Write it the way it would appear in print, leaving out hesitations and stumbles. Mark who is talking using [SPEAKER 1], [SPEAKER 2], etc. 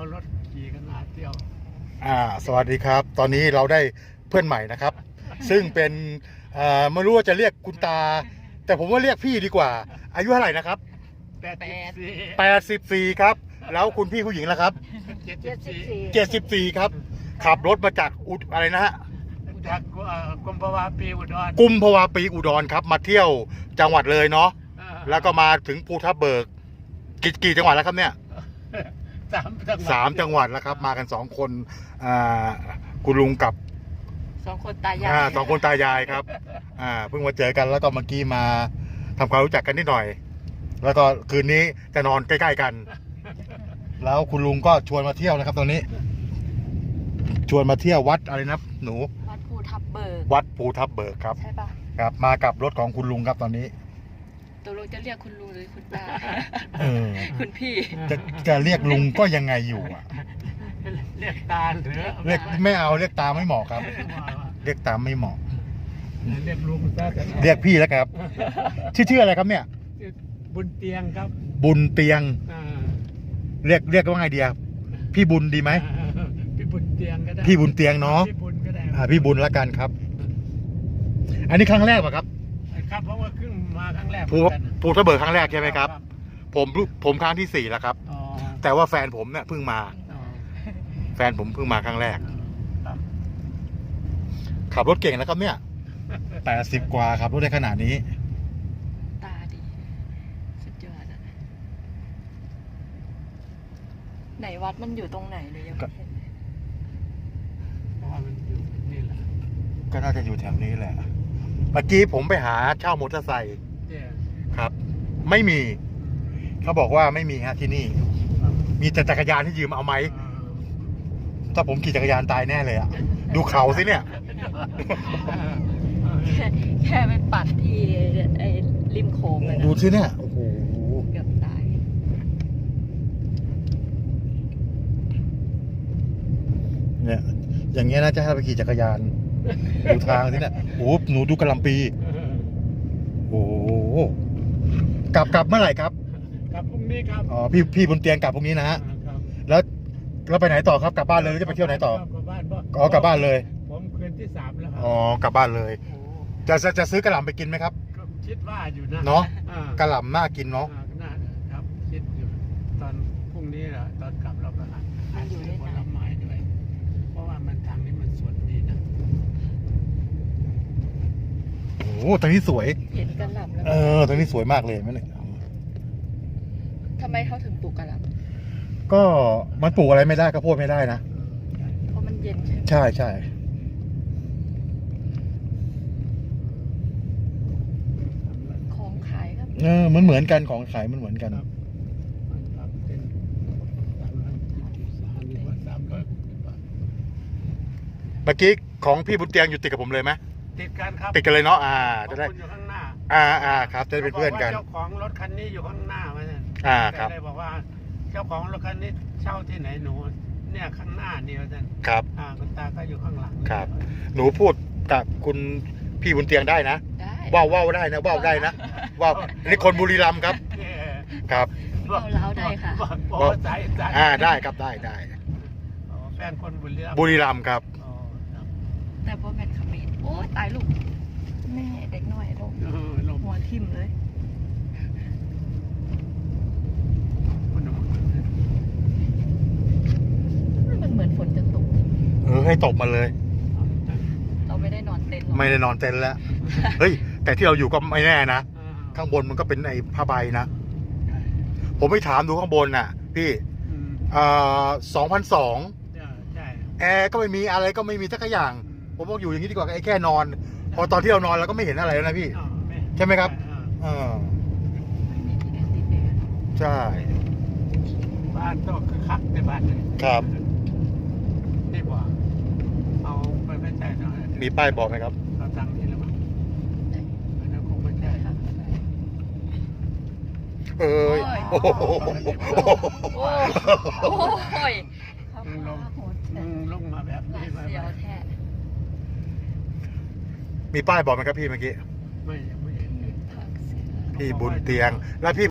[SPEAKER 1] รถขี่กันหาเที่ยว
[SPEAKER 2] สวัสดีครับตอนนี้เราได้เพื่อนใหม่นะครับ ซึ่งเป็นไม่รู้ว่าจะเรียกคุณตา แต่ผมว่าเรียกพี่ดีกว่า อายุเท่าไหร่นะครับ84ครับแล้วคุณพี่ผู้หญิงล่ะครับ74ครับขับรถมาจากอะไรนะฮะ
[SPEAKER 1] จากกุมภาวะปีอุดร
[SPEAKER 2] กุมภาวะปีอุดรครับมาเที่ยวจังหวัดเลยเนาะแล้วก็มาถึงภูทับเบิกกี่จังหวัดแล้วครับเนี่ย3 จังหวัดแล้วครับมากัน2 คนคุณลุงกับ
[SPEAKER 3] 2 คนตายาย
[SPEAKER 2] 2 คนตายายครับเพิ่งมาเจอกันแล้วก็เมื่อกี้มาทำความรู้จักกันนิดหน่อยแล้วก็คืนนี้จะนอนใกล้ๆกันแล้วคุณลุงก็ชวนมาเที่ยวนะครับตอนนี้ชวนมาเที่ยววัดอะไรนะหนู
[SPEAKER 3] วัดภูทับเบิก
[SPEAKER 2] ครับ
[SPEAKER 3] ใช่ปะ
[SPEAKER 2] ครับมากับรถของคุณลุงครับตอนนี้
[SPEAKER 3] ตัวลุงจะเรียกคุณลุงหรือคุณตาคุณพี่
[SPEAKER 2] จะเรียกลุงก็ยังไงอยู่
[SPEAKER 1] เรียกตาหรือ
[SPEAKER 2] เรียกไม่เอาเรียกตาไม่เหมาะครับเรียกตาไม่เหมาะ
[SPEAKER 1] เรียกลุง
[SPEAKER 2] เรียกพี่แล้วครับชื่ออะไรครับเนี่ย
[SPEAKER 1] บุญเตียงครับ
[SPEAKER 2] บุญเตียงเรียกว่าไงดีพี่บุญดีไหม
[SPEAKER 1] พี่บุญเตียงก็ได้
[SPEAKER 2] พี่บุญเตียงเนาะ
[SPEAKER 1] พี่บุญก็ได้
[SPEAKER 2] พี่บุญละกันครับอันนี้ครั้งแรกป่ะครับ
[SPEAKER 1] ครับเพราะว่าขึ้นมาครั้งแรก
[SPEAKER 2] ภูทับเบิกครั้งแรกใช่ไหมครับผมครั้งที่4แล้วครับแต่ว่าแฟนผมเนี่ยเพิ่งมาแฟนผมเพิ่งมาครั้งแรกขับรถเก่งนะครับเนี่ย80 กว่าขับรถได้ขนาดนี้
[SPEAKER 3] ตาดีสุดยอดอะไหนวัดมันอยู่ตรงไหนเลยยังไม่เห็น
[SPEAKER 1] เพราะว่ามันอยู่นี่แหละ
[SPEAKER 2] ก็น่าจะอยู่แถวนี้แหละเมื่อกี้ผมไปหาเช่ามอเตอร์ไซค์ครับไม่มีเขาบอกว่าไม่มีฮะที่นี่มีแต่จักรยานที่ยืมเอาไหมถ้าผมขี่จักรยานตายแน่เลยดูเขาสิเนี่ย
[SPEAKER 3] แค่ไปปัดที่ไอ้ริมโค้งเลยนะ
[SPEAKER 2] ดูสิเนี่ยโอ้โห
[SPEAKER 3] เกือบตาย
[SPEAKER 2] เนี่ยอย่างเงี้ยน่าจะให้ไปขี่จักรยานดูทางสิเนี่ยโอ้หนูดูกระลำปีโอ้กลับเมื่อไหร่ครับ
[SPEAKER 1] กลับพรุ่งนี้ครับ
[SPEAKER 2] พี่บนเตียงกลับพรุ่งนี้นะฮะแล้วไปไหนต่อครับกลับบ้านเลยหรือจะไปเที่ยวไหนต่อกลับบ้านเลย
[SPEAKER 1] ผมคืนที่3แล้วครับ
[SPEAKER 2] กลับบ้านเลยจะซื้อกระหล่ำไปกินไหมครับ
[SPEAKER 1] คิดว่าอยู่นะ
[SPEAKER 2] เนาะกระหล่ำน่ากินเนาะ
[SPEAKER 1] น่าครับคิดอยู่ตอนพรุ่งนี้แหละตอนกลับเราก็อาจจะซื้อผลไม้ด้วยเพราะว่ามันทางนี้มันสวนดีนะ
[SPEAKER 2] โอ้ตรงนี้สวย
[SPEAKER 3] เห็นกระหล่ำแล้ว
[SPEAKER 2] ตรงนี้สวยมากเลยไหมเนี่ย
[SPEAKER 3] ทำไมเขาถึงปลูกกระหล่
[SPEAKER 2] ำก็มันปลูกอะไรไม่ได้ข้าวโพดไม่ได้นะ
[SPEAKER 3] เพราะมันเย็นใช่ไหม
[SPEAKER 2] ใช่
[SPEAKER 3] ของขายครับ
[SPEAKER 2] มันเหมือนกันของขายมันเหมือนกันเมื่อกี้ของพี่บุญเตียงอยู่ติดกับผมเลยไหม
[SPEAKER 1] ติดกันครับ
[SPEAKER 2] ติดกันเลยเนาะจะได้
[SPEAKER 1] อยู่ข้างหน้
[SPEAKER 2] าครับจะได้เป็นเพื่อนกัน
[SPEAKER 1] เจ้าของรถคันนี้อยู่ข้างหน้าไหมเนี่ย
[SPEAKER 2] ครับ
[SPEAKER 1] เลยบอกว่าเจ้าของรถคันนี้เช่าที่ไหนหนูเนี่ยข้างหน้านี่ว่าท่าน
[SPEAKER 2] ครับ
[SPEAKER 1] คุณตาก็อยู่ข้างหลัง
[SPEAKER 2] ครับหนูพูดกับคุณพี่บุญเตียงได้นะว่าวได้นะว่าวได้นะว่าวนี่คนบุรีรัมย์ครับครับ
[SPEAKER 3] เราได้ค่ะ
[SPEAKER 2] ได้ครับได้
[SPEAKER 1] แฟนคน
[SPEAKER 2] บุรีรัมย์ครับ
[SPEAKER 3] แต่พอแมทขมิ้นโอ้ตายลูกแม่เด็กน้อยลูกหัวทิ่มเลยมันเหมือนฝนจะตก
[SPEAKER 2] ให้ตกมาเลย
[SPEAKER 3] เราไม่ได้นอนเต็นท์
[SPEAKER 2] แล้วเฮ้ยแต่ที่เราอยู่ก็ไม่แน่นะข้างบนมันก็เป็นไอ้ผ้าใบนะผมไปถามดูข้างบนน่ะพี่2,200แอร์ก็ไม่มีอะไรก็ไม่มีสักอย่างผมบอกอยู่อย่างนี้ดีกว่าไอ้แค่นอนพอตอนที่เรานอนเราก็ไม่เห็นอะไรแล้วนะพี่ใช่ไหมครับใช่
[SPEAKER 1] บ้านก็คือคักในบ้านเลย
[SPEAKER 2] ครับ
[SPEAKER 1] นี่บอกเอาไปไม่ใช่เนาะ
[SPEAKER 2] มีป้ายบอกไหมครับ
[SPEAKER 1] เราตั้งนี่หรือเปล่าอันนั้นคงไม่ใช่
[SPEAKER 2] โอ้
[SPEAKER 3] ย
[SPEAKER 1] ลงมาแบบนี้มา
[SPEAKER 2] มีป้ายบอกไหมครับพี่เมื่อกี้
[SPEAKER 1] ไม่เห็น
[SPEAKER 2] พี่บุญเตียงแล้วพี่